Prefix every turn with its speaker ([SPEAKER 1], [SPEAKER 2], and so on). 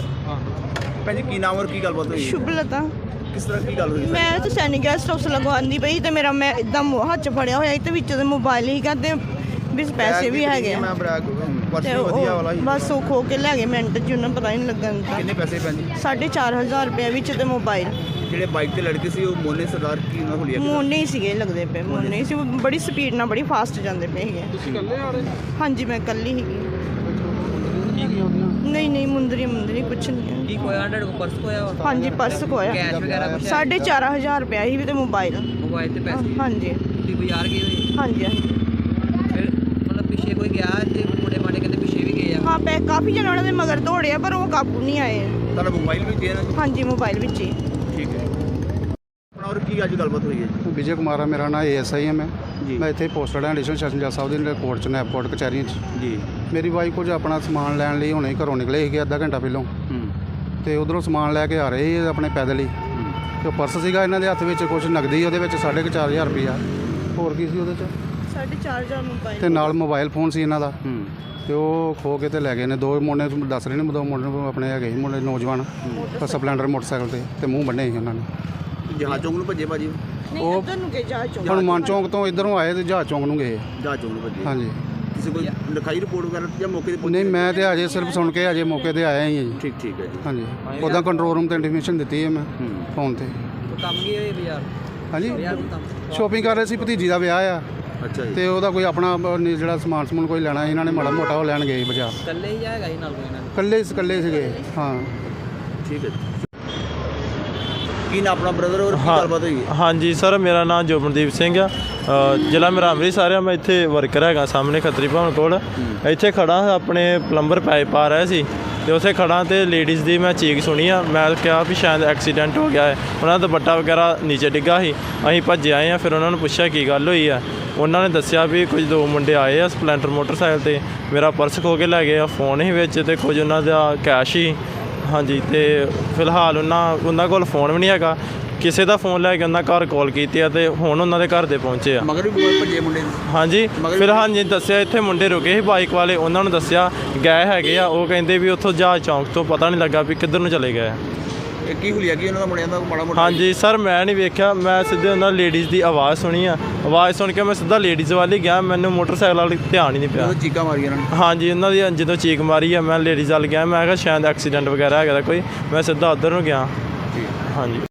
[SPEAKER 1] ਕੌਰ।
[SPEAKER 2] ਭੈਣ ਜੀ ਕੀ ਨਾਮ ਔਰ ਕੀ ਗੱਲਬਾਤ ਹੋਈ?
[SPEAKER 1] ਸ਼ੁਭਲਤਾ।
[SPEAKER 2] ਕਿਸ ਤਰ੍ਹਾਂ ਕੀ ਗੱਲ ਹੋਈ?
[SPEAKER 1] ਮੈਂ ਤਾਂ ਸੈਨਿਕ ਗੈਸਟ ਹਾਊਸ ਲਗਵਾਉਂਦੀ ਪਈ ਤੇ ਮੇਰਾ ਮੈਂ ਇਦਾਂ ਹੱਥ 'ਚ ਫੜਿਆ ਹੋਇਆ ਤੇ ਵਿੱਚ ਦੇ ਮੋਬਾਈਲ ਹੀਗਾ ਤੇ ਵਿੱਚ ਪੈਸੇ ਵੀ ਹੈਗੇ
[SPEAKER 2] ਮੈਂ ਬਰਾਕ ਪਰਸ
[SPEAKER 1] ਤੇ
[SPEAKER 2] ਵਧੀਆ ਵਾਲਾ ਹੀ
[SPEAKER 1] ਬਸ ਉਹ ਖੋ ਕੇ ਲੈ ਗਏ ਮਿੰਟ 'ਚ, ਉਹਨਾਂ ਪਤਾ ਹੀ ਨਹੀਂ ਲੱਗਣ ਦਾ।
[SPEAKER 2] ਕਿੰਨੇ ਪੈਸੇ ਭੈਣ ਜੀ?
[SPEAKER 1] 4,500 ਰੁਪਏ ਵਿੱਚ ਤੇ ਮੋਬਾਈਲ।
[SPEAKER 2] ਜਿਹੜੇ ਬਾਈਕ ਤੇ ਲੜਕੇ ਸੀ ਉਹ ਮੋਨੇ ਸਰਦਾਰ ਕੀ ਉਹਨਾਂ ਹੁਲੀਆ?
[SPEAKER 1] ਮੋਨੇ ਹੀ ਸੀਗੇ ਲੱਗਦੇ ਪਏ, ਮੋਨੇ ਹੀ ਸੀ। ਉਹ ਬੜੀ ਸਪੀਡ ਨਾਲ ਬੜੀ ਫਾਸਟ ਜਾਂਦੇ ਪਏ ਸੀਗੇ।
[SPEAKER 3] ਤੁਸੀਂ ਇਕੱਲੇ ਆ ਰਹੇ?
[SPEAKER 1] ਹਾਂਜੀ ਮੈਂ ਇਕੱਲੀ ਸੀਗੀ। ਨਹੀਂ ਮੁੰਦਰੀ ਕੁਛ ਨਹੀਂ ਹੈ।
[SPEAKER 4] ਕੀ ਕੋਇਆ? 100 ਕੋ ਪਰਸ ਕੋਇਆ ਵਾ?
[SPEAKER 1] ਹਾਂਜੀ ਪਰਸ ਖੋਇਆ।
[SPEAKER 4] ਕੈਸ਼ ਵਗੈਰਾ ਕੁਛ?
[SPEAKER 1] 4,500 ਰੁਪਏ ਸੀ ਵੀ ਤੇ ਮੋਬਾਈਲ।
[SPEAKER 4] ਮੋਬਾਈਲ ਤੇ ਪੈਸੇ?
[SPEAKER 1] ਹਾਂਜੀ
[SPEAKER 4] ਤੁਸੀਂ ਬਾਜ਼ਾਰ ਗਏ ਹੋਏ?
[SPEAKER 1] ਹਾਂਜੀ
[SPEAKER 4] ਫਿਰ ਮਤਲਬ ਪਿੱਛੇ ਕੋਈ ਗਿਆ ਤੇ ਮੁੰਡੇ ਮਾੜੇ ਕਹਿੰਦੇ ਪਿੱਛੇ ਵੀ ਗਏ ਆ?
[SPEAKER 1] ਹਾਂ ਪੈ ਕਾਫੀ ਜਣੇ ਉਹਨਾਂ ਦੇ ਮਗਰ ਦੌੜਿਆ ਪਰ ਉਹ ਕਾਬੂ ਨਹੀਂ ਆਏ।
[SPEAKER 2] ਤੁਹਾਡਾ ਮੋਬਾਈਲ ਵੀ ਦੇ ਨਾ?
[SPEAKER 1] ਹਾਂਜੀ ਮੋਬਾਈਲ ਵਿੱਚ ਹੀ।
[SPEAKER 2] ਠੀਕ ਹੈ। ਆਪਣਾ ਔਰ ਕੀ ਅੱਜ ਗੱਲਬਾਤ ਹੋਈ ਹੈ ਜੀ?
[SPEAKER 3] ਵਿਜੇ ਕੁਮਾਰ ਆ ਮੇਰਾ ਨਾਮ, ASI ਹਾਂ ਮੈਂ।
[SPEAKER 2] ਜੀ।
[SPEAKER 3] ਮੈਂ ਇੱਥੇ ਪੋਸਟਡ ਹਾਂ ਐਡੀਸ਼ਨਲ ਸੈਸ਼ਨ ਜੱਜ ਸਾਹਿਬ ਦੇ ਕੋਰਟ 'ਚ, ਨੈਪਕੋਟ ਕਚਹਿਰੀਆਂ 'ਚ।
[SPEAKER 2] ਜੀ।
[SPEAKER 3] ਮੇਰੀ ਵਾਈਫ ਕੁਝ ਆਪਣਾ ਸਮਾਨ ਲੈਣ ਲਈ ਹੁਣੇ ਘਰੋਂ ਨਿਕਲੇ ਸੀਗੇ ਅੱਧਾ ਘੰਟਾ ਪਹਿਲਾਂ, ਤੇ ਉਧਰੋਂ ਸਮਾਨ ਲੈ ਕੇ ਆ ਰਹੇ ਸੀ ਆਪਣੇ ਪੈਦਲ ਹੀ। ਤੇ ਉਹ ਪਰਸ ਸੀਗਾ ਇਹਨਾਂ ਦੇ ਹੱਥ ਵਿੱਚ, ਕੁਝ ਨਗਦੀ ਉਹਦੇ ਵਿੱਚ 4,500 ਰੁਪਈਆ, ਹੋਰ ਕੀ ਸੀ ਉਹਦੇ 'ਚ,
[SPEAKER 1] 4,500 ਮੋਬਾਈਲ
[SPEAKER 3] ਤੇ ਨਾਲ ਮੋਬਾਈਲ ਫੋਨ ਸੀ ਇਹਨਾਂ ਦਾ। ਤੇ ਉਹ ਖੋ ਕੇ ਤੇ ਲੈ ਗਏ ਨੇ। ਦੋ ਮੁੰਡੇ ਦੱਸ ਰਹੇ ਨੇ, ਦੋ ਮੁੰਡੇ ਆਪਣੇ ਹੈਗੇ ਸੀ ਮੁੰਡੇ ਨੌਜਵਾਨ, ਸਪਲੈਂਡਰ ਮੋਟਰਸਾਈਕਲ ਤੇ ਮੂੰਹ ਬੰਨੇ ਸੀ ਉਹਨਾਂ ਨੇ।
[SPEAKER 2] ਜਹਾਜ਼ ਚੌਂਕ ਨੂੰ ਭੱਜੇ ਭਾਜੀ?
[SPEAKER 1] ਨਹੀਂ ਇੱਧਰ ਨੂੰ ਗਏ ਜਹਾਜ਼ ਚੌਂਕ।
[SPEAKER 3] ਹਨੂੰਮਾਨ ਚੌਂਕ ਤੋਂ ਇੱਧਰੋਂ ਆਏ ਤੇ ਜਹਾਜ਼ ਚੌਂਕ ਨੂੰ ਗਏ।
[SPEAKER 2] ਜਹਾਜ਼ ਚੌਂਕ ਨੂੰ ਭੱਜੇ?
[SPEAKER 3] ਹਾਂਜੀ।
[SPEAKER 2] ਕਿਸੇ ਕੋਈ ਲਿਖਾਈ ਰਿਪੋਰਟ ਵਗੈਰਾ ਜਾਂ ਮੌਕੇ ਤੇ?
[SPEAKER 3] ਨਹੀਂ ਮੈਂ ਤੇ ਅਜੇ ਸਿਰਫ ਸੁਣ ਕੇ ਅਜੇ ਮੌਕੇ ਤੇ ਆਇਆ ਹੀ ਹਾਂ ਜੀ।
[SPEAKER 2] ਠੀਕ ਹੈ ਜੀ।
[SPEAKER 3] ਹਾਂਜੀ। ਉੱਦਾਂ ਕੰਟਰੋਲ ਰੂਮ ਤੇ ਇੰਟੀਮੇਸ਼ਨ ਦਿੱਤੀ ਹੈ ਮੈਂ ਫੋਨ ਤੇ।
[SPEAKER 4] ਕੰਮ ਗਏ ਹੋਏ ਬਾਜ਼ਾਰ?
[SPEAKER 3] ਹਾਂਜੀ
[SPEAKER 4] ਬਾਜ਼ਾਰ ਨੂੰ ਕੰਮ?
[SPEAKER 3] ਸ਼ੋਪਿੰਗ ਕਰ ਰਹੇ ਸੀ, ਭਤੀਜੀ ਦਾ ਵਿਆਹ ਆ
[SPEAKER 2] ਅੱਛਾ ਜੀ।
[SPEAKER 3] ਤੇ ਉਹਦਾ ਕੋਈ ਆਪਣਾ ਜਿਹੜਾ ਸਮਾਨ ਕੋਈ ਲੈਣਾ, ਇਹਨਾਂ ਨੇ ਮਾੜਾ ਮੋਟਾ ਉਹ ਲੈਣ ਗਏ ਬਾਜ਼ਾਰ।
[SPEAKER 4] ਇਕੱਲੇ ਹੀ ਹੈਗਾ ਸੀ ਨਾਲ ਕੋਈ ਨਾਲ?
[SPEAKER 3] ਇਕੱਲੇ ਸੀਗੇ। ਹਾਂ
[SPEAKER 2] ਠੀਕ ਹੈ ਜੀ। ਕੀ ਨਾ ਆਪਣਾ ਬ੍ਰਦਰ ਔਰ ਕੀ ਗੱਲਬਾਤ ਹੋਈ?
[SPEAKER 5] ਹਾਂਜੀ ਸਰ, ਮੇਰਾ ਨਾਮ ਜੋਬਨਦੀਪ ਸਿੰਘ ਆ। ਜ਼ਿਲ੍ਹਾ ਮੇਰਾ ਅੰਮ੍ਰਿਤਸਰ ਆ। ਮੈਂ ਇੱਥੇ ਵਰਕਰ ਹੈਗਾ ਸਾਹਮਣੇ ਖੱਤਰੀ ਭਵਨ ਕੋਲ। ਇੱਥੇ ਖੜਾ ਆਪਣੇ ਪਲੰਬਰ ਪਾਈਪ ਪਾ ਰਿਹਾ ਸੀ ਤੇ ਉੱਥੇ ਖੜਾ ਤੇ ਲੇਡੀਜ਼ ਦੀ ਮੈਂ ਚੀਕ ਸੁਣੀ ਆ। ਮੈਂ ਕਿਹਾ ਵੀ ਸ਼ਾਇਦ ਐਕਸੀਡੈਂਟ ਹੋ ਗਿਆ ਹੈ। ਉਹਨਾਂ ਦਾ ਦੁਪੱਟਾ ਵਗੈਰਾ ਨੀਚੇ ਡਿੱਗਾ ਸੀ। ਅਸੀਂ ਭੱਜੇ ਆਏ ਆ। ਫਿਰ ਉਹਨਾਂ ਨੂੰ ਪੁੱਛਿਆ ਕੀ ਗੱਲ ਹੋਈ ਆ। ਉਹਨਾਂ ਨੇ ਦੱਸਿਆ ਵੀ ਕੁਝ ਦੋ ਮੁੰਡੇ ਆਏ ਆ ਸਪਲੈਂਡਰ ਮੋਟਰਸਾਈਕਲ ਤੇ, ਮੇਰਾ ਪਰਸ ਖੋ ਕੇ ਲੈ ਗਏ ਆ, ਫੋਨ ਹੀ ਵਿੱਚ ਤੇ ਕੁਝ ਉਹਨਾਂ ਦਾ ਕੈਸ਼ ਹੀ। ਹਾਂਜੀ। ਤੇ ਫਿਲਹਾਲ ਉਹਨਾਂ ਕੋਲ ਫੋਨ ਵੀ ਨਹੀਂ ਹੈਗਾ। ਕਿਸੇ ਦਾ ਫੋਨ ਲੈ ਕੇ ਉਹਨਾਂ ਘਰ ਕਾਲ ਕੀਤੀ ਆ ਤੇ ਹੁਣ ਉਹਨਾਂ ਦੇ ਘਰ ਦੇ ਪਹੁੰਚੇ ਆ।
[SPEAKER 2] ਮਗਰ ਵੀ ਭੱਜੇ ਮੁੰਡੇ?
[SPEAKER 5] ਹਾਂਜੀ। ਫਿਲਹਾਲ ਜੀ ਦੱਸਿਆ ਇੱਥੇ ਮੁੰਡੇ ਰੁਕੇ ਸੀ ਬਾਈਕ ਵਾਲੇ, ਉਹਨਾਂ ਨੂੰ ਦੱਸਿਆ ਗਏ ਹੈਗੇ ਆ। ਉਹ ਕਹਿੰਦੇ ਵੀ ਉੱਥੋਂ ਜਹਾਜ਼ ਚੌਂਕ ਤੋਂ ਪਤਾ ਨਹੀਂ ਲੱਗਾ ਵੀ ਕਿੱਧਰ ਨੂੰ ਚਲੇ ਗਏ।
[SPEAKER 2] ਇਹ ਕੀ ਹੁਲੀਆ ਕੀ ਉਹਨਾਂ ਦਾ ਮੁੰਡਿਆਂ ਦਾ ਮਾੜਾ ਮੋਟਾ?
[SPEAKER 5] ਹਾਂਜੀ ਸਰ, ਮੈਂ ਨਹੀਂ ਵੇਖਿਆ। ਮੈਂ ਸਿੱਧੇ ਉਹਨਾਂ ਲੇਡੀਜ਼ ਦੀ ਆਵਾਜ਼ ਸੁਣੀ ਆ। ਆਵਾਜ਼ ਸੁਣ ਕੇ ਮੈਂ ਸਿੱਧਾ ਲੇਡੀਜ਼ ਵੱਲ ਹੀ ਗਿਆ। ਮੈਨੂੰ ਮੋਟਰਸਾਈਕਲ ਵਾਲੀ ਧਿਆਨ ਹੀ ਨਹੀਂ ਪਿਆ।
[SPEAKER 2] ਚੀਕਾਂ ਮਾਰੀਆਂ ਉਹਨਾਂ ਨੇ?
[SPEAKER 5] ਹਾਂਜੀ, ਉਹਨਾਂ ਦੀ ਜਦੋਂ ਚੀਕ ਮਾਰੀ ਆ ਮੈਂ ਲੇਡੀਜ਼ ਵੱਲ ਗਿਆ। ਮੈਂ ਕਿਹਾ ਸ਼ਾਇਦ ਐਕਸੀਡੈਂਟ ਵਗੈਰਾ ਹੈਗਾ ਕੋਈ। ਮੈਂ ਸਿੱਧਾ ਉੱਧਰ ਨੂੰ ਗਿਆ। ਹਾਂਜੀ।